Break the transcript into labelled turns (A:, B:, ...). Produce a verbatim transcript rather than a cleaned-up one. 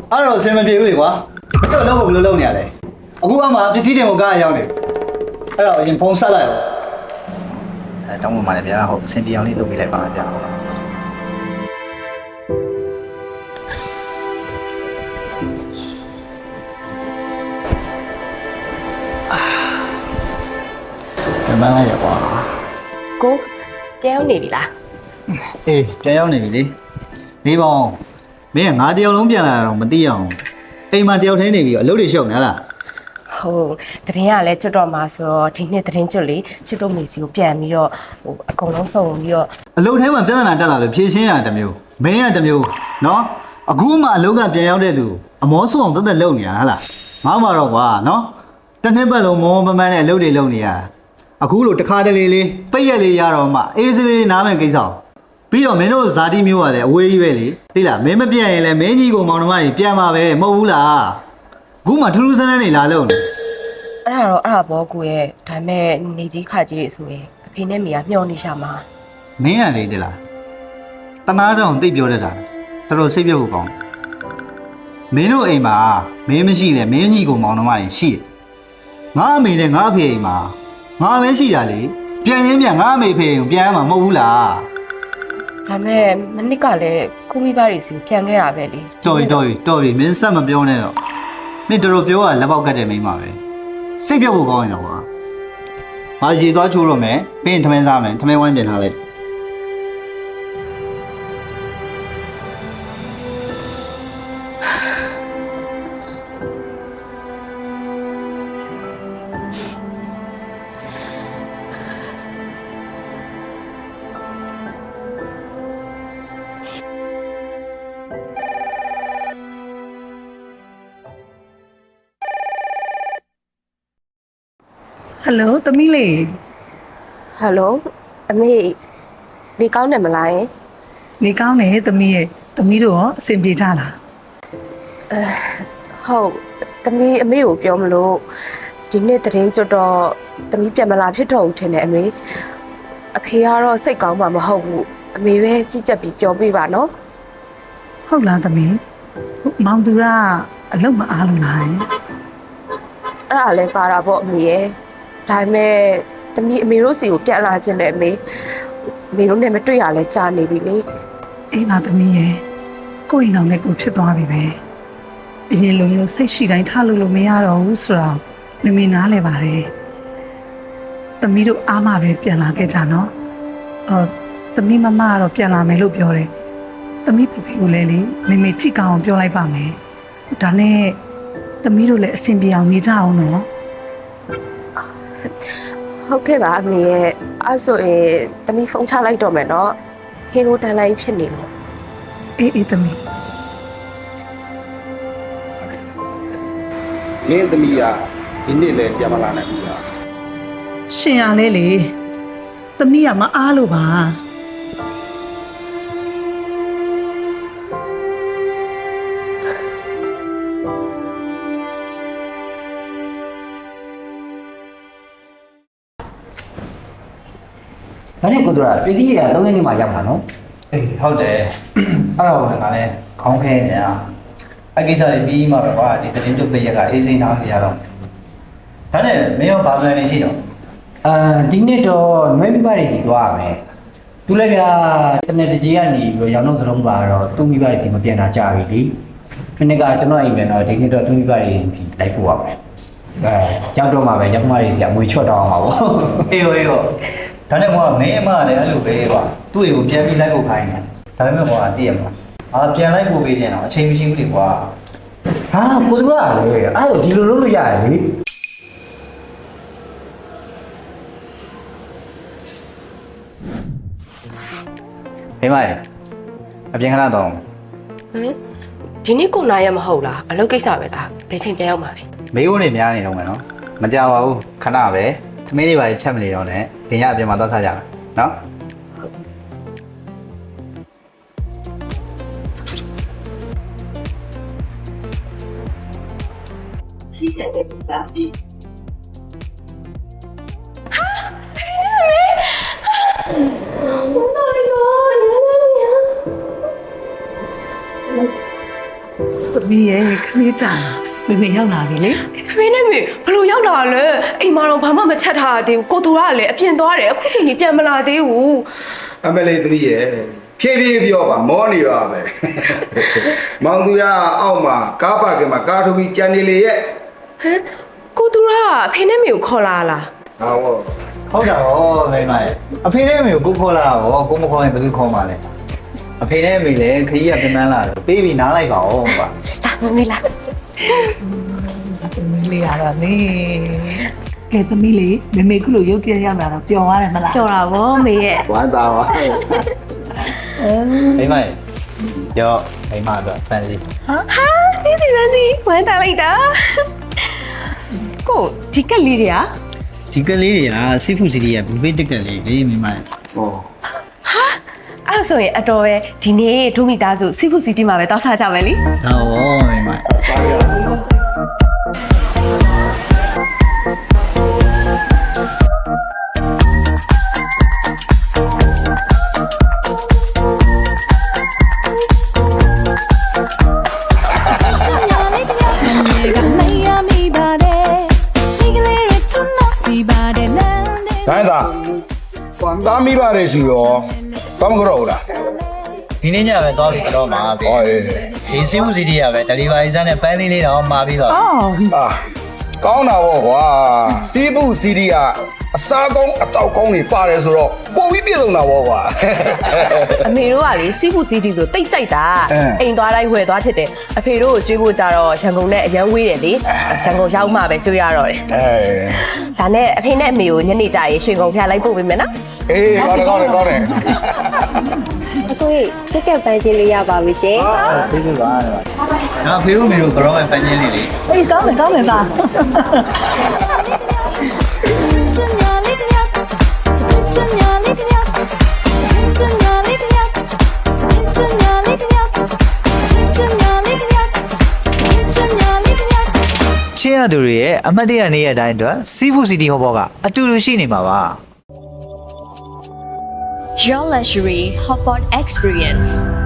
A: အဲ့တော့အစင်မပြေဘူးလေကွာမင်းတို့လောက်ကိုဘယ်လိုလုပ်နေရလဲအခုအမှပစ္စည်းတွေကိုကားရောက်နေအဲ့တော့အရင်ဖုန်းဆက်လိုက်အောင်အဲတောင်းပန်ပါတယ်ဗျာဟုတ်အစင်ပြေအောင်လေးလုပ်ပေးလိုက်ပါဗျာဟုတ်မန်းလိုက်ရကွာ
B: ကိုပြန်ရောက်နေပြီလား
A: အေးပြန်ရောက်နေပြီလေနေပေါင်းမင်းကငါတယောက်လုံးပြန်လာတာတော့မသိအောင်အိမ်မှာတယောက်ထင်းနေပြီအလုပ်တွေရှုပ်နေလား
B: ဟုတ်တရင်ကလည်းကျွတ်တော့မှာဆိုတော့ဒီနှစ်တရင်ကျွတ်လေချစ်တို့မိစီကိုပြန်ပြီးတော့ဟိုအကုန်လုံးစုံပြီးတော့
A: အလုပ်ထဲမှာပြဿနာတက်လာလို့ဖြေရှင်းရတမျိုးမင်းရတမျိုးနော်အခုမှအလုပ်ကပြန်ရောက်တဲ့သူအမောဆိုးအောင်တက်တက်လုပ်နေရဟလားငါမှတော့ကွာနော်တစ်နှစ်ပတ်လုံးမောမောပန်းပန်းနဲ့အလုပ်တွေလုပ်နေရအခုလိုတခါတလေလေးပိတ်ရက်လေးရတော့မှအေးစေးလေးနားမယ်ကိစ္စပြီးတော့မင်းတို့ဇာတိမျိုးကလည်းအဝေးကြီးပဲလေသိလားမင်းမပြတ်ရင်လည်းမင်းကြီးကိုမောင်နှမတွေပြန်มาပဲမဟုတ်ဘူးလားအခုမှထူးထူးဆန်းဆန်းနေလာလို့နေ
B: အဲ့ဒါတော့အဲ့ဒါဘောကိုရဲ့ဒါမဲ့နေကြီးခါကြီးတွေဆိုရင်အဖေနဲ့မိကမျောနေရှာမှာ
A: မင်းရလေသိလားတနာတောင်သိပြောတတ်တာတော်တော်စိတ်ပြတ်ဖို့ကောင်းမင်းတို့အိမ်မှာမင်းမရှိလေမင်းကြီးကိုမောင်နှမတွေရှိတယ်ငါအမေနဲ့ငါအဖေအိမ်မှာငါပဲရှိတာလေပြန်ရင်းပြန်ငါအမေဖေကိုပြန်ရမှာမဟုတ်ဘူးလား
B: ဒါမဲ့မနစ်ကလည်းကိုမိဘတွေစီပြန်ခဲ့တာပဲလေ
A: တော်ပြီတော်ပြီတော်ပြီမင်းဆက်မပြောနဲ့တော့မင်းတော်တော်ပြောတာလက်ပေါက်ကတ်တယ်မိန်းမပဲစိတ်ပြတ်ဖို့ကောင်းရင်တော့ကွာငါရေသွားချိုးတော့မယ်ပြီးရင်ထမင်းစားမယ်ထမင်းဝိုင်းပြင်ထားလိုက်
C: ဟယ်လိုသမီးလေး
B: ဟယ်လိုအမေနေကောင်းတယ်မလားယင်
C: နေကောင်းတယ်သမီးရဲ့သမီးတို့ရောအဆင်ပြေကြလား
B: အဲဟုတ်သမီးအမေကိုပြောမလို့ဒီနေ့တရင်ကျွတ်တော့သမီးပြန်မလာဖြစ်တော့ဘူးထင်တယ်အမေအဖေကတော့စိတ်ကောင်းမှာမဟုတ်ဘူးအမေပဲကြည့်ချက်ပြီးပြောပြပါနော်
C: ဟုတ်လားသမီးမောင်သူကအလုပ်မအားလို့လား
B: အဲ့ဒါလည်းပါတာပေါ့အမေရဲ့ဒါပေမဲ့တမီးအမေတို့စီကိုပြန်လာခြင်းနဲ့အမေအမေတို့နဲ့မတွေ့ရလဲကြာနေပြီလေ
C: အေးပါသမီးရဲ့ကိုယ့်အိမ်တော်နဲ့ကိုဖြစ်သွားပြီပဲအရင်လိုမျိုးစိတ်ရှိတိုင်းထားလို့လို့မရတော့ဘူးဆိုတော့မမေနားလဲပါတယ်သမီးတို့အားမပဲပြန်လာခဲ့ကြနော်အော်သမီးမမကတော့ပြန်လာမယ်လို့ပြောတယ်သမီးဖေဖေကိုလည်းလေမမေကြည့်ကောင်းအောင်ပြောလိုက်ပါမယ်ဒါနဲ့သမီးတို့လည်းအဆင်ပြေအောင်နေကြအောင်နော်
B: ဟုတ်ကဲ့ပါအမေရဲ့အဲ့ဆိုရင်သမီးဖုန်းချလိုက်တော့မယ်နော်ဟင်းကိုတန်းလိုက်ဖြစ်နေလို့
C: အေးအေးသမီး
D: မင်းသမီးကဒီနေ့လည်းပြန်မလာနိုင်ဘူးလား
C: ရှင်ရလဲလေသမီးကမအားလို့ပါ
E: ဒါနဲ့ကိုတို့ကပြည်စည်းရသုံးရက်နေမှရောက်မှာနော်
A: အေးဟုတ်တယ်အဲ့တော့ငါလည်းခေါင်းခဲနေတာအကိစ္စတွေပြီးမှပဲကွာဒီတရင်ကျုပ်ပြရက်ကအေးစိမ်းနားနေရတော့ဒါနဲ့မင်းရောဘာမှန်းနေရှိတော့
E: အာဒီနေ့တော့နွေးမိဘတွေစီသွားရမယ်သူလည်းကတနေ့တကြီးကနေပြီးတော့ရောင်တော့စလုံးပါတော့သူ့မိဘတွေစီမပြန်တာကြာပြီလေဒီနေ့ကကျွန်တော်အိမ်ပြန်တော့ဒီနေ့တော့သူ့မိဘတွေစီလိုက်ပို့ရမယ်အဲရောက်တော့မှပဲရောက်မှတွေစီအမွေချွတ်တော့အောင်ပါဗော
A: အေးဟေးဟောဒါနဲ့ကွာမင်းအမလည်းအဲ့လိုပဲကွာသူ့အိမ်ကိုပြန်ပြီးလိုက်ဖို့ခိုင်းတယ်ဒါပေမဲ့ကွာတည့်ရမှာအာပြန်လိုက်ဖို့ပေးချင်တော့အချိန်မရှိဘူးလေကွာ
E: ဟာကိုတို့ကလည်းအဲ့လိုဒီလိုလုပ်လို့ရတယ်လေ
A: ဖေးမရေအပြင်ခဏတော့
B: ဟမ်ဒီနေ့ကိုနာရမဟုတ်လားအလုပ်ကိစ္စပဲလားဘယ်ချိန်ပြန်ရောက်မှာလဲ
A: မေးဖို့နေများနေတော့မယ်နော်မကြပါဘူးခဏပဲသမီးလေးပါချက်မနေတော့နဲ့ဒင်ရအပြင်မှာသွားစားကြမယ်နော်
B: ရှိတယ်ဗျာဒီဟာဖေးမေ
C: သမီးရဲ့ခလေးကြာမေမေရောက်လာပြီလေ
B: အဖေနဲ့မေဘလို့ရောက်လာလဲအိမ်မှာတော့ဘာမှမချက်ထားသေးဘူးကိုတူကလည်းအပြင်သွားတယ်အခုချိန်ကြီးပြန်မလာသေးဘူး
D: အမလေးသမီးရဲ့ဖြည်းဖြည်းပြောပါမောနေပါပဲမောင်သူရအောက်မှာကားပါကင်မှာကားထုတ်ပြီးကြံနေလေရဲ့
B: ဟမ်ကိုတူကအဖေနဲ့မေကိုခေါ်လာလား
D: ဟော
A: ဟုတ်တာဟောမိမရဲ့အဖေနဲ့အမေကိုကိုခေါ်လာတာဟောကိုမခေါ်ရင်ဘယ်သူခေါ်မှာလဲအဖေနဲ့အမေလည်းခကြီးကပြန်မှန်းလာတော့ပေးပြီးနားလိုက်ပါဦးကွာ
B: လာမမေလာ
C: သမီးလေးရတော့လေကဲသမီးလေးမေမေခုလိုရုပ်တရက်ရောက်လာတော့ပျော်သွားတယ်မလား
B: ကြော်တာဗောမေရဲ့
A: ဝမ်းသာပါမိမရဲ့ရောမိမတော့ဖန်စီ
B: ဟာဒီစီပန်းစီဝမ်းတာလိုက်တာကိုဒီကက်လေးတွေက
A: ဒီကလေးတွေကစီဖူစီတွေကဘူဖေးတက်ကက်လေးလေမိမရဲ့ဟော
B: ဟာအဲ့ဆိုရင်အတော်ပဲဒီနေ့ဒုမိသားစုစီဖူစီတီမှာပဲတောက်စားကြမယ်လी
A: ဒါဟောမိမရဲ့
D: စားရအောင် တိုင်းသားသားမိပါတယ်စီရောတောင်းကြတော့လား
A: ဒီနေ့ညပဲသွားပြီးတော့မှာပဲ
D: ဟောအေး
A: ဒီစီဖူစီတွေကပဲ delivery စားနဲ့ပန်းလေးလေးတော့မှာပြီးတော့
C: အော်
D: အာကောင်းတာဗောကွာစီးဘူးစီဒီကအစားကောင်းအတောက်ကောင်းတွေပါတယ်ဆိုတော့ပုံပြီးပြည်စုံတာဗောကွာ
B: အမေတို့ကလေစီဖူစီတီဆိုတိတ်ကြိုက်တာ
D: အင်း
B: အိမ်သွားတိုင်းဝယ်သွားဖြစ်တယ်အဖေတို့ကိုကျွေးဖို့ကြတော့ရန်ကုန်နဲ့အရန်ဝေးတယ်လေရန်ကုန်ရောက်မှပဲကျွေးရတော့တယ်
D: အဲ
B: ဒါနဲ့အဖေနဲ့အမေကိုညနေကျရင်ရွှေကုန်ဖျားလိုက်ပို့ပေးမယ်နော်
D: အေးကောင်းတယ်ကောင်းတယ်ကောင်းတယ်
F: အကိုကြီးကက်ကက်ပန်းချင်းလေးရပါပြီရှင်
A: ဖေးဖေးပါတော့ဒါဖေးတို့မေတို့ကတော့ပဲပန်းချင်းလေးလေ
C: အေးကောင်းတယ်ကောင်းတယ်သား
G: ချင်းရသူတွေရဲ့အမှတ်တရနေ့ရက်တိုင်းအတွက်စီဖူစီတီဟောဘောကအတူတူရှိနေမှာပါ
F: Your luxury hotpot experience